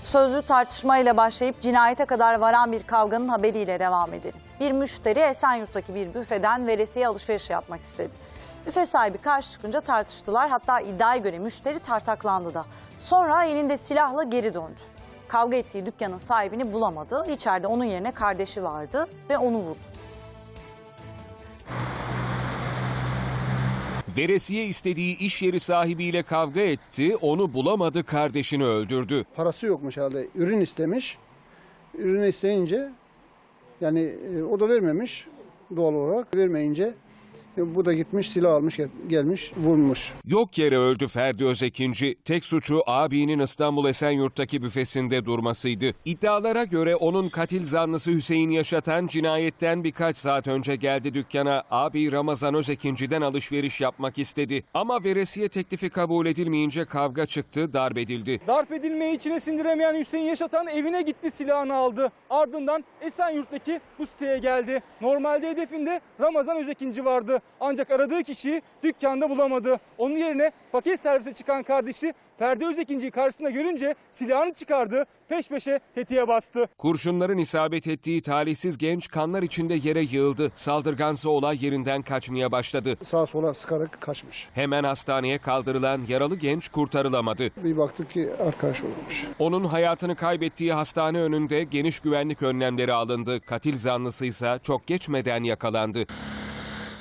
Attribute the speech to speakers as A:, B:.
A: Sözlü tartışmayla başlayıp cinayete kadar varan bir kavganın haberiyle devam edelim. Bir müşteri Esenyurt'taki bir büfeden veresiye alışveriş yapmak istedi. Büfe sahibi karşı çıkınca tartıştılar, hatta iddiaya göre müşteri tartaklandı da. Sonra elinde silahla geri döndü. Kavga ettiği dükkanın sahibini bulamadı. İçeride onun yerine kardeşi vardı ve onu vurdu.
B: Veresiye istediği iş yeri sahibiyle kavga etti, onu bulamadı, kardeşini öldürdü.
C: Parası yokmuş herhalde, ürün istemiş. Ürünü isteyince yani o da vermemiş, doğal olarak vermeyince bu da gitmiş silah almış gelmiş vurmuş.
B: Yok yere öldü Ferdi Özekinci. Tek suçu abinin İstanbul Esenyurt'taki büfesinde durmasıydı. İddialara göre onun katil zanlısı Hüseyin Yaşatan cinayetten birkaç saat önce geldi dükkana. Abi Ramazan Özekinci'den alışveriş yapmak istedi. Ama veresiye teklifi kabul edilmeyince kavga çıktı, darp edildi.
D: Darp edilmeyi içine sindiremeyen Hüseyin Yaşatan evine gitti, silahını aldı. Ardından Esenyurt'taki bu siteye geldi. Normalde hedefinde Ramazan Özekinci vardı. Ancak aradığı kişiyi dükkanda bulamadı. Onun yerine paket servise çıkan kardeşi Ferdi Özekinci'yi karşısında görünce silahını çıkardı, peş peşe tetiğe bastı.
B: Kurşunların isabet ettiği talihsiz genç kanlar içinde yere yığıldı. Saldırgansa olay yerinden kaçmaya başladı.
C: Sağa sola sıkarak kaçmış.
B: Hemen hastaneye kaldırılan yaralı genç kurtarılamadı.
C: Bir baktık ki arkadaş olmuş.
B: Onun hayatını kaybettiği hastane önünde geniş güvenlik önlemleri alındı. Katil zanlısı ise çok geçmeden yakalandı.